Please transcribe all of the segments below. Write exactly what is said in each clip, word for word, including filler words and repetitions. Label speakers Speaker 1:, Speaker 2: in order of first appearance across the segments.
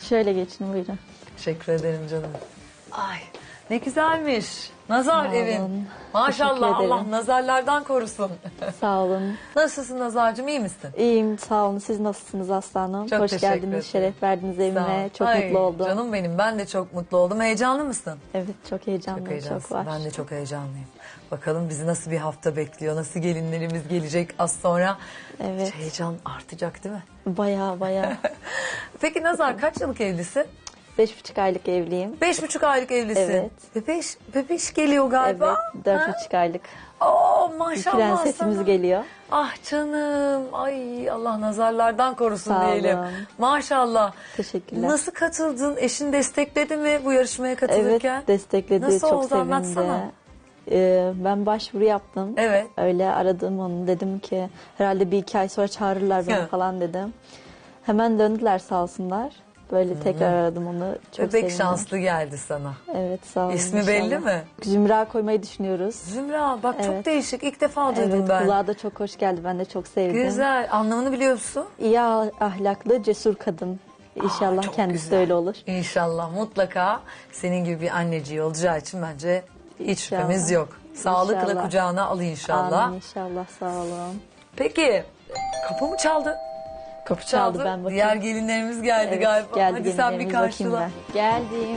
Speaker 1: Şöyle geçin buyurun.
Speaker 2: Teşekkür ederim canım. Ay ne güzelmiş. Nazar
Speaker 1: Sağ olun.
Speaker 2: evin. Maşallah
Speaker 1: Teşekkür ederim.
Speaker 2: Allah nazarlardan korusun.
Speaker 1: Sağ olun.
Speaker 2: Nasılsın Nazar'cığım, iyi misin?
Speaker 1: İyiyim sağ olun. Siz nasılsınız aslanım?
Speaker 2: Çok
Speaker 1: Hoş
Speaker 2: teşekkür
Speaker 1: geldiniz.
Speaker 2: ederim.
Speaker 1: Şeref verdiniz
Speaker 2: Sağ ol.
Speaker 1: evime. Çok
Speaker 2: Ay,
Speaker 1: mutlu oldum.
Speaker 2: Canım benim, ben de çok mutlu oldum. Heyecanlı mısın?
Speaker 1: Evet çok heyecanlıyım.
Speaker 2: Çok
Speaker 1: Çok,
Speaker 2: heyecanlısın.
Speaker 1: var.
Speaker 2: Ben de çok heyecanlıyım. Bakalım bizi nasıl bir hafta bekliyor, nasıl gelinlerimiz gelecek az sonra.
Speaker 1: Evet.
Speaker 2: Heyecan artacak değil mi?
Speaker 1: Baya baya.
Speaker 2: Peki Nazar kaç yıllık evlisin?
Speaker 1: Beş buçuk aylık evliyim.
Speaker 2: Beş buçuk aylık evlisin.
Speaker 1: Evet.
Speaker 2: Bebeş, bebeş geliyor galiba.
Speaker 1: Evet. Dört
Speaker 2: Ha?
Speaker 1: buçuk aylık.
Speaker 2: Oo
Speaker 1: Bir
Speaker 2: maşallah
Speaker 1: prensesimiz
Speaker 2: sana.
Speaker 1: geliyor.
Speaker 2: Ah canım. Ay Allah nazarlardan korusun
Speaker 1: Sağ
Speaker 2: diyelim.
Speaker 1: olun.
Speaker 2: Maşallah.
Speaker 1: Teşekkürler.
Speaker 2: Nasıl katıldın? Eşin destekledi mi bu yarışmaya
Speaker 1: Evet
Speaker 2: katılırken?
Speaker 1: destekledi.
Speaker 2: Nasıl
Speaker 1: çok
Speaker 2: oldu?
Speaker 1: sevindi.
Speaker 2: Anlatsana.
Speaker 1: Ee, ben başvuru yaptım.
Speaker 2: Evet.
Speaker 1: Öyle aradım onu. Dedim ki herhalde bir iki ay sonra çağırırlar beni
Speaker 2: Evet.
Speaker 1: falan dedim. Hemen döndüler sağ olsunlar. Böyle tekrar aradım onu. Çok
Speaker 2: Bebek
Speaker 1: sevindim.
Speaker 2: şanslı geldi sana.
Speaker 1: Evet sağ olun.
Speaker 2: İsmi
Speaker 1: inşallah.
Speaker 2: belli mi?
Speaker 1: Zümra koymayı düşünüyoruz.
Speaker 2: Zümra bak çok
Speaker 1: Evet.
Speaker 2: değişik. İlk defa duydum
Speaker 1: Evet
Speaker 2: ben.
Speaker 1: kulağa da çok hoş geldi. Ben de çok sevdim.
Speaker 2: Güzel. Anlamını biliyor musun?
Speaker 1: İyi ah- ahlaklı, cesur kadın. İnşallah
Speaker 2: çok
Speaker 1: kendisi
Speaker 2: güzel.
Speaker 1: de öyle olur.
Speaker 2: İnşallah mutlaka senin gibi bir anneciği olacağı için bence hiç
Speaker 1: İnşallah.
Speaker 2: şüphemiz yok. Sağlıkla
Speaker 1: İnşallah.
Speaker 2: kucağına al inşallah.
Speaker 1: Amin inşallah sağ olun.
Speaker 2: Peki kapı mı çaldı? Kapı çaldı.
Speaker 1: Çaldı, ben bakayım.
Speaker 2: Diğer gelinlerimiz geldi
Speaker 1: Evet,
Speaker 2: galiba.
Speaker 1: geldi
Speaker 2: Hadi sen bir
Speaker 1: gelinlerimiz, bakayım
Speaker 2: karşıla.
Speaker 1: ben. Geldim.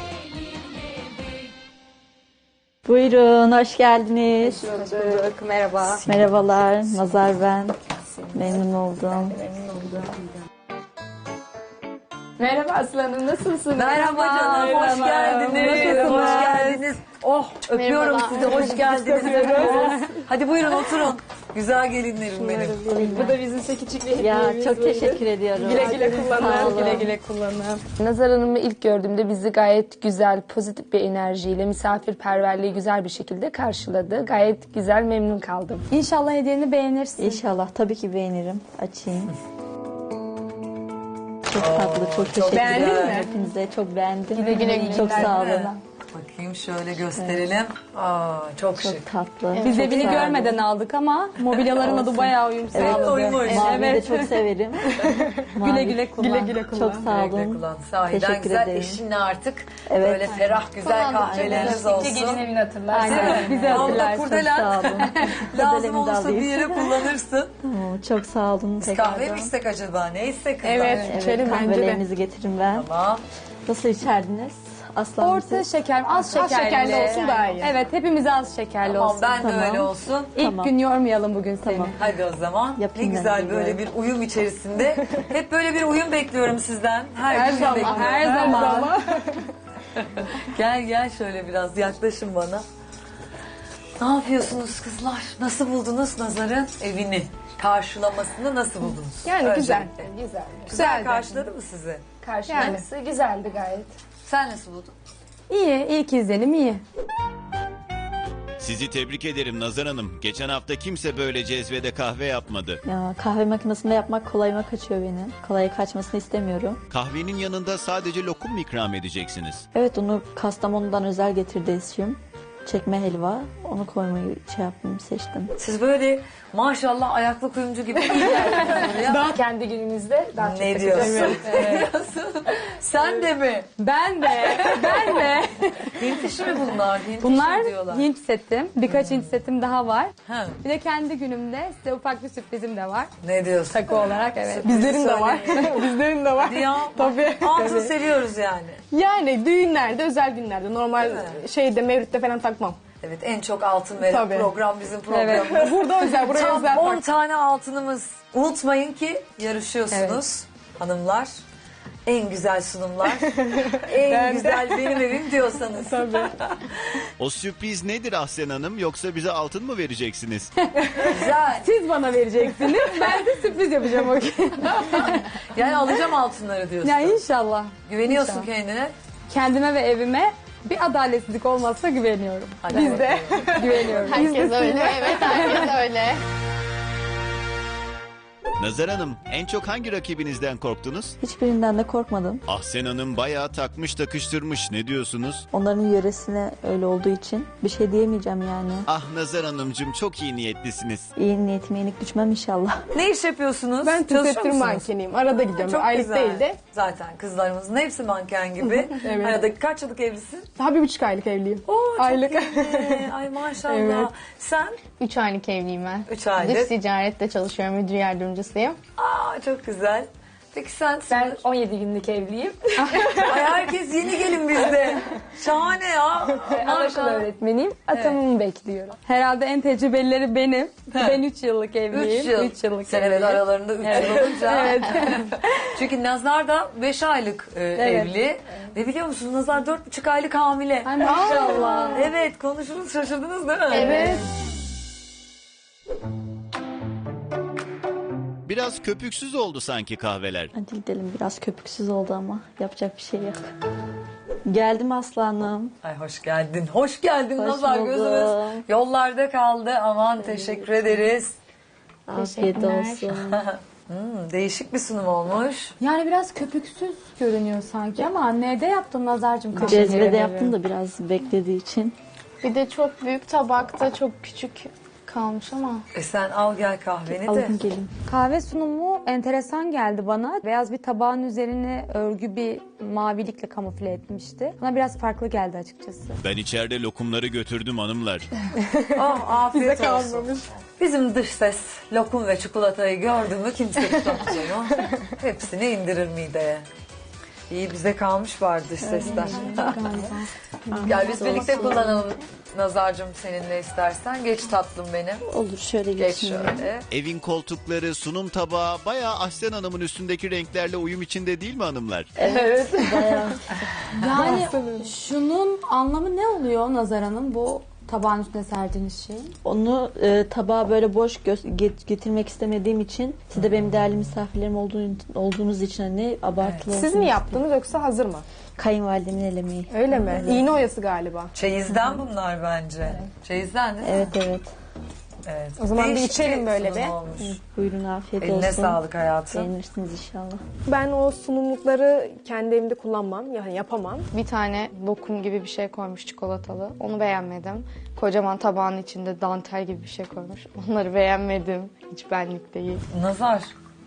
Speaker 1: Buyurun, hoş geldiniz.
Speaker 3: Bulduk, merhaba.
Speaker 1: Merhabalar, Nazar ben. Memnun oldum.
Speaker 3: Merhaba Aslanım, nasılsınız?
Speaker 2: Merhaba canım, hoş
Speaker 3: Merhaba.
Speaker 2: geldiniz.
Speaker 3: Nasılsınız?
Speaker 2: Hoş geldiniz. Oh, öpüyorum
Speaker 3: Merhaba.
Speaker 2: sizi. Hoş geldiniz. öpüyoruz. Hadi buyurun oturun. Güzel gelinlerim benim.
Speaker 3: Bu da bizim size küçük bir
Speaker 1: Ya
Speaker 3: hediyemiz.
Speaker 1: çok
Speaker 3: böyle.
Speaker 1: teşekkür ediyorum.
Speaker 3: Güle güle
Speaker 1: Sağ
Speaker 3: kullanın,
Speaker 1: olun.
Speaker 3: güle güle kullanın. Nazar Hanım'ı ilk gördüğümde bizi gayet güzel, pozitif bir enerjiyle, misafirperverliği güzel bir şekilde karşıladı. Gayet güzel, memnun kaldım. İnşallah hediyeni beğenirsin.
Speaker 1: İnşallah tabii ki beğenirim. Açayım. Çok tatlı, çok teşekkür
Speaker 3: Beğendin
Speaker 1: ederim
Speaker 3: mi?
Speaker 1: hepinize. Çok beğendim.
Speaker 3: Güle güle güle.
Speaker 1: Çok sağ
Speaker 2: Değil
Speaker 1: olun.
Speaker 2: mi? Bakayım şöyle gösterelim. Aa, çok şık.
Speaker 1: Çok tatlı.
Speaker 3: Biz
Speaker 1: çok
Speaker 3: evini
Speaker 1: sağ olun.
Speaker 3: görmeden aldık ama mobilyaların adı bayağı uyum
Speaker 1: Evet,
Speaker 3: sağladı.
Speaker 2: uymuş.
Speaker 1: Mavi
Speaker 3: Evet.
Speaker 1: de çok severim.
Speaker 3: Güle
Speaker 1: Mavi.
Speaker 3: güle kullan. Güle güle kullan.
Speaker 1: Çok sağ
Speaker 2: Güle güle
Speaker 1: olun.
Speaker 2: kullan. Sahiden
Speaker 1: Teşekkür
Speaker 2: güzel.
Speaker 1: ederim.
Speaker 2: Eşinle artık
Speaker 1: Evet.
Speaker 2: böyle ferah güzel kahveleriniz olsun.
Speaker 3: Gelin evini hatırlar.
Speaker 1: Aynen.
Speaker 3: Bizi
Speaker 2: Onda
Speaker 3: hatırlar.
Speaker 1: Çok
Speaker 2: kurdelen
Speaker 1: sağ olun.
Speaker 2: lazım
Speaker 1: Kurdelemi de
Speaker 2: olursa bir
Speaker 1: alayım.
Speaker 2: yere kullanırsın.
Speaker 1: Oo, çok sağ olun.
Speaker 2: Biz
Speaker 1: tekrardan.
Speaker 2: kahve mi içsek acaba? Ne içsek kızlar?
Speaker 3: Evet.
Speaker 1: Evet,
Speaker 3: İçelim bence de.
Speaker 1: kahvelerinizi getirin ben.
Speaker 2: Tamam.
Speaker 1: Nasıl içerdiniz? Aslan
Speaker 3: Orta
Speaker 1: mısın?
Speaker 3: şeker, az şekerli.
Speaker 4: şekerli olsun daha iyi.
Speaker 3: Evet, hepimize az şekerli
Speaker 2: Tamam
Speaker 3: olsun.
Speaker 2: ben de
Speaker 1: Tamam.
Speaker 2: öyle olsun.
Speaker 3: İlk
Speaker 1: Tamam.
Speaker 3: gün yormayalım bugün seni.
Speaker 1: Tamam.
Speaker 2: Hadi o zaman.
Speaker 1: Yapayım
Speaker 2: ne
Speaker 1: ben
Speaker 2: güzel
Speaker 1: de
Speaker 2: böyle
Speaker 1: böyle.
Speaker 2: bir uyum içerisinde. Hep böyle bir uyum bekliyorum sizden. Her,
Speaker 3: Her
Speaker 2: gün
Speaker 3: zaman,
Speaker 2: bekliyorum.
Speaker 3: her zaman.
Speaker 2: Gel gel şöyle biraz yaklaşın bana. Ne yapıyorsunuz kızlar? Nasıl buldunuz Nazar'ın evini? Karşılamasını nasıl buldunuz?
Speaker 3: Yani güzel.
Speaker 2: Öncelikle.
Speaker 3: Güzel.
Speaker 2: Güzel
Speaker 3: Güzeldi.
Speaker 2: karşıladı mı sizi?
Speaker 3: Karşılaması güzeldi gayet.
Speaker 2: Sen nasıl buldun?
Speaker 3: İyi, ilk izlenim iyi.
Speaker 5: Sizi tebrik ederim Nazar Hanım. Geçen hafta kimse böyle cezvede kahve yapmadı.
Speaker 1: Ya, kahve makinesinde yapmak kolayıma kaçıyor benim. Kolay kaçmasını istemiyorum.
Speaker 5: Kahvenin yanında sadece lokum mu ikram edeceksiniz?
Speaker 1: Evet onu Kastamonu'dan özel getirdi eşim. Çekme helva. Onu koymayı şey yaptım, seçtim.
Speaker 2: Siz böyle maşallah ayaklı kuyumcu gibi iyi geldiniz buraya.
Speaker 3: Daha kendi günümüzde daha çok
Speaker 2: Ne
Speaker 3: takıldım.
Speaker 2: diyorsun?
Speaker 3: Evet.
Speaker 2: Sen de mi?
Speaker 3: Ben de, ben de.
Speaker 2: Hint işi mi bunlar? Hint
Speaker 3: Bunlar
Speaker 2: işi diyorlar.
Speaker 3: Hint setim. Birkaç Hint setim daha var.
Speaker 2: Ha,
Speaker 3: Bir de kendi günümde size ufak bir sürprizim de var.
Speaker 2: ne diyorsun?
Speaker 3: Takı olarak evet.
Speaker 2: Sürpriz
Speaker 3: Bizlerin de var.
Speaker 2: söyleyin.
Speaker 3: Bizlerin de var.
Speaker 2: Ya,
Speaker 3: Tabii.
Speaker 2: altın
Speaker 3: Tabii.
Speaker 2: seviyoruz yani.
Speaker 3: Yani düğünlerde, özel günlerde, normal
Speaker 2: Değil mi?
Speaker 3: şeyde, mevlütte falan takmam.
Speaker 2: Evet en çok altın veren
Speaker 3: Tabii.
Speaker 2: program bizim
Speaker 3: Evet.
Speaker 2: programımız.
Speaker 3: Burada özel, buraya
Speaker 2: Tam
Speaker 3: özel
Speaker 2: on
Speaker 3: tak.
Speaker 2: tane altınımız. Unutmayın ki yarışıyorsunuz hanımlar. En güzel sunumlar. en
Speaker 3: Ben de.
Speaker 2: güzel benim evim diyorsanız.
Speaker 3: Tabii.
Speaker 5: O sürpriz nedir Ahsen Hanım? Yoksa bize altın mı vereceksiniz?
Speaker 2: Güzel.
Speaker 3: Siz bana vereceksiniz, ben de sürpriz yapacağım o gün.
Speaker 2: Yani alacağım altınları diyorsun.
Speaker 3: Ya inşallah.
Speaker 2: Güveniyorsun
Speaker 3: İnşallah.
Speaker 2: kendine.
Speaker 3: Kendime ve evime bir adaletsizlik olmazsa güveniyorum.
Speaker 2: Hadi
Speaker 3: Biz de
Speaker 2: bakalım.
Speaker 3: güveniyoruz. Biz de
Speaker 4: Herkes öyle,
Speaker 3: size.
Speaker 4: evet herkes öyle.
Speaker 5: Nazar Hanım, en çok hangi rakibinizden korktunuz?
Speaker 1: Hiçbirinden de korkmadım.
Speaker 5: Ahsen Hanım bayağı takmış takıştırmış. Ne diyorsunuz?
Speaker 1: Onların yöresine öyle olduğu için bir şey diyemeyeceğim yani.
Speaker 5: Ah Nazar Hanımcığım, çok iyi niyetlisiniz.
Speaker 1: İyi niyetime yenik düşmem inşallah.
Speaker 2: Ne iş yapıyorsunuz?
Speaker 4: Ben
Speaker 2: Çalışıyor
Speaker 4: tesettür
Speaker 2: musunuz?
Speaker 4: mankeniyim. Arada gidiyorum.
Speaker 2: Çok
Speaker 4: Aylık
Speaker 2: güzel.
Speaker 4: değil de.
Speaker 2: Zaten kızlarımızın hepsi manken gibi.
Speaker 4: Evet.
Speaker 2: Arada kaç yıllık evlisin?
Speaker 4: Daha bir buçuk aylık evliyim.
Speaker 2: Oo, çok
Speaker 4: Aylık.
Speaker 2: iyi. Ay maşallah.
Speaker 4: Evet.
Speaker 2: Sen?
Speaker 6: Üç aylık evliyim ben.
Speaker 2: Üç aylık.
Speaker 6: Dış ticarette çalışıyorum, müdür yardımcısıyım.
Speaker 2: Aa, çok güzel. Peki sen?
Speaker 3: Ben on yedi günlük evliyim.
Speaker 2: Ay herkes yeni gelin bizde. Şahane ya.
Speaker 3: Anaokulu
Speaker 2: Maşallah.
Speaker 3: öğretmeniyim. Atamımı bekliyorum. Herhalde en tecrübelileri benim. Ben üç yıllık evliyim.
Speaker 2: Üç yıl.
Speaker 3: Üç yıllık
Speaker 2: Sen evet
Speaker 3: evliyim.
Speaker 2: aralarında üç yıl olunca. Evet. Çünkü Nazar da beş aylık e, evli. Ve biliyor musunuz Nazar dört buçuk aylık hamile.
Speaker 3: Ay maşallah.
Speaker 2: Evet konuşuruz, şaşırdınız değil mi?
Speaker 3: Evet.
Speaker 5: Biraz köpüksüz oldu sanki kahveler.
Speaker 1: Hadi gidelim, biraz köpüksüz oldu ama yapacak bir şey yok. Geldim aslanım.
Speaker 2: Ay hoş geldin. Hoş geldin
Speaker 1: Hoş
Speaker 2: Nazar,
Speaker 1: buldum.
Speaker 2: gözümüz yollarda kaldı. Aman teşekkür ederiz.
Speaker 1: Afiyet olsun.
Speaker 2: Hmm, değişik bir sunum olmuş.
Speaker 7: Yani biraz köpüksüz görünüyor sanki ama anneye de yaptın Nazar'cığım kahveleri.
Speaker 1: Cezvede yaptım da biraz beklediği için.
Speaker 6: Bir de çok büyük tabakta çok küçük kalmış ama.
Speaker 2: E sen al gel kahveni de.
Speaker 1: Alın gelin.
Speaker 7: Kahve sunumu enteresan geldi bana. Beyaz bir tabağın üzerine örgü bir mavilikle kamufle etmişti. Bana biraz farklı geldi açıkçası.
Speaker 5: Ben içeride lokumları götürdüm hanımlar.
Speaker 2: Oh, afiyet
Speaker 4: Bize
Speaker 2: olsun.
Speaker 4: kalmamış.
Speaker 2: Bizim dış ses lokum ve çikolatayı gördü mü kimse tutamaz onu. Hepsini indirir mideye. İyi bize kalmış var dış sesler. Gel biz birlikte kullanalım Nazar'cığım seninle istersen. Geç tatlım benim.
Speaker 1: Olur, şöyle
Speaker 2: Geç
Speaker 1: geçin.
Speaker 2: şöyle.
Speaker 5: Evin koltukları, sunum tabağı bayağı Ahsen Hanım'ın üstündeki renklerle uyum içinde değil mi hanımlar?
Speaker 1: Bayağı.
Speaker 7: Yani şunun anlamı ne oluyor Nazar Hanım? Bu tabağın üstüne serdiğiniz şey.
Speaker 1: Onu e, tabağa böyle boş gö- get- getirmek istemediğim için, siz de benim değerli misafirlerim olduğun, olduğunuz için hani abartılı
Speaker 4: Siz
Speaker 1: olsun
Speaker 4: mi
Speaker 1: istedim.
Speaker 4: yaptınız yoksa hazır mı?
Speaker 1: Kayınvalidemin el emeği.
Speaker 4: Öyle mi? İğne oyası galiba.
Speaker 2: Çeyizden bunlar bence. Çeyizden değil mi?
Speaker 1: Evet evet.
Speaker 2: Evet.
Speaker 4: O zaman bir
Speaker 2: Değişik
Speaker 4: içelim böyle
Speaker 2: sunum
Speaker 4: bir.
Speaker 2: olmuş.
Speaker 1: Buyurun, afiyet
Speaker 2: Eline
Speaker 1: olsun.
Speaker 2: sağlık hayatım.
Speaker 1: Beğenirsiniz inşallah.
Speaker 4: Ben o sunumlukları kendi evimde kullanmam. Yani yapamam.
Speaker 6: Bir tane lokum gibi bir şey koymuş çikolatalı. Onu beğenmedim. Kocaman tabağın içinde dantel gibi bir şey koymuş. Onları beğenmedim. Hiç benlik değil.
Speaker 2: Nazar,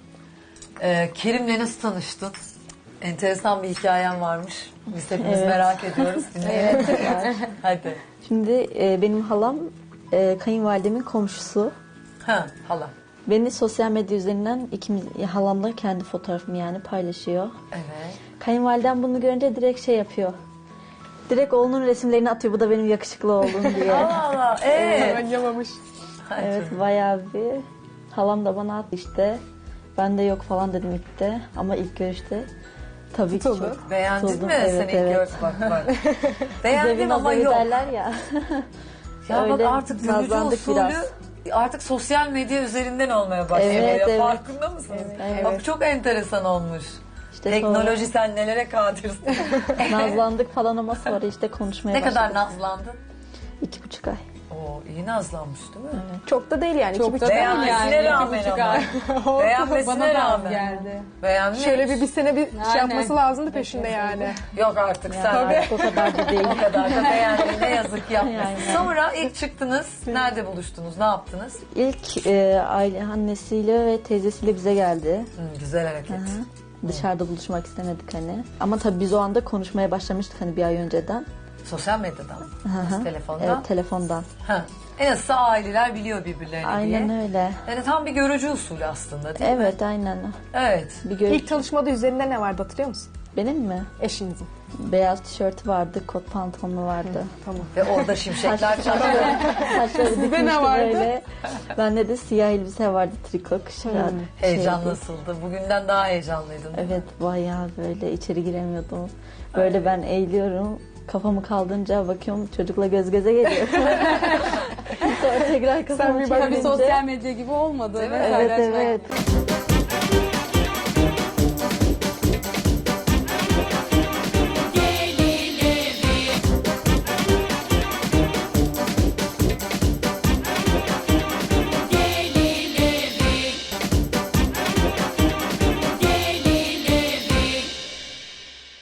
Speaker 2: e, Kerim'le nasıl tanıştın? Enteresan bir hikayen varmış. Biz hepimiz
Speaker 1: Evet.
Speaker 2: merak ediyoruz. Dinleyelim. Hadi.
Speaker 1: Şimdi e, benim halam e, kayınvalidemin komşusu.
Speaker 2: Ha, hala.
Speaker 1: Beni sosyal medya üzerinden ikimiz, halamla kendi fotoğrafımı yani paylaşıyor.
Speaker 2: Evet.
Speaker 1: Kayınvalidem bunu görünce direkt şey yapıyor. Direkt oğlunun resimlerini atıyor. Bu da benim yakışıklı oğlum diye.
Speaker 2: Allah Allah. Ee?
Speaker 4: Ben yamamış.
Speaker 1: Evet, bayağı bir. Halam da bana attı işte. Ben de yok falan dedim ilk de. Ama ilk görüşte tabii ki
Speaker 4: Tutuldu.
Speaker 1: çok.
Speaker 2: Beğendin
Speaker 1: tutuldum.
Speaker 2: mi
Speaker 1: Evet,
Speaker 2: sen ilk
Speaker 1: evet.
Speaker 2: gör bak bak. Beğendim
Speaker 1: Devin
Speaker 2: ama
Speaker 1: adayı
Speaker 2: yok.
Speaker 1: derler ya.
Speaker 2: Ya bak
Speaker 1: Öyle
Speaker 2: artık görücü
Speaker 1: nazlandık
Speaker 2: usulü
Speaker 1: biraz.
Speaker 2: artık sosyal medya üzerinden olmaya başlıyor.
Speaker 1: Evet,
Speaker 2: ya.
Speaker 1: evet.
Speaker 2: Farkında mısınız?
Speaker 1: Evet.
Speaker 2: Bak çok enteresan olmuş.
Speaker 1: İşte
Speaker 2: Teknoloji sen nelere kadirsin.
Speaker 1: sonra nazlandık falan ama sonra işte konuşmaya
Speaker 2: Ne
Speaker 1: başladık.
Speaker 2: kadar nazlandın?
Speaker 1: İki buçuk ay.
Speaker 2: Oo, iyi nazlanmış değil mi?
Speaker 4: Çok da değil yani.
Speaker 7: Çok
Speaker 4: İki
Speaker 7: da
Speaker 4: buçuk-
Speaker 7: değil
Speaker 2: Beğenmesine
Speaker 7: yani.
Speaker 2: rağmen
Speaker 7: İki buçuk
Speaker 2: ama.
Speaker 7: ay.
Speaker 2: Beğenmesine
Speaker 7: Bana da az
Speaker 2: rağmen.
Speaker 7: geldi.
Speaker 2: Beğenmiş.
Speaker 4: Şöyle bir, bir sene bir şey
Speaker 7: Aynen.
Speaker 4: yapması lazımdı peşinde yani.
Speaker 2: Yok artık sen.
Speaker 1: Artık o kadar da değil.
Speaker 2: O kadar da beğendin. Ne yazık ki yapmışsın.
Speaker 1: Aynen.
Speaker 2: Sonra ilk çıktınız. Nerede buluştunuz? Ne yaptınız?
Speaker 1: İlk e, aile annesiyle ve teyzesiyle bize geldi.
Speaker 2: Hı, güzel hareket.
Speaker 1: Dışarıda buluşmak istemedik hani. Ama tabii biz o anda konuşmaya başlamıştık hani bir ay önceden.
Speaker 2: Sosyal medyadan.
Speaker 1: Hı.
Speaker 2: Telefondan.
Speaker 1: Evet, telefondan.
Speaker 2: Ha. En azından aileler biliyor birbirlerini
Speaker 1: Aynen
Speaker 2: diye.
Speaker 1: öyle.
Speaker 2: Yani tam bir görücü usulü aslında değil mi?
Speaker 1: Evet, aynen.
Speaker 2: Evet.
Speaker 1: Bir gör-
Speaker 4: İlk tanışmada üzerinde ne vardı hatırlıyor musun?
Speaker 1: Benim mi?
Speaker 4: Eşinizin.
Speaker 1: Beyaz tişörtü vardı, kot pantolonu vardı.
Speaker 4: Tamam.
Speaker 2: Ve orada şimşekler çaktı.
Speaker 1: Saçları dikmişti
Speaker 4: ne vardı?
Speaker 1: böyle. Bende de siyah elbise vardı, triko kışa.
Speaker 2: Heyecan
Speaker 1: şeydi.
Speaker 2: nasıldı? Bugünden daha heyecanlıydın.
Speaker 1: Evet, bayağı böyle içeri giremiyordum. Böyle ben eğiliyorum. Kafamı kaldırınca bakıyorum çocukla göz göze geliyor. Sonra tekrar kafamı
Speaker 4: bir bak-
Speaker 7: Tabii
Speaker 1: çevirince.
Speaker 7: sosyal medya gibi olmadı.
Speaker 2: Değil mi?
Speaker 7: Mesajlaşmak.
Speaker 1: Evet, evet.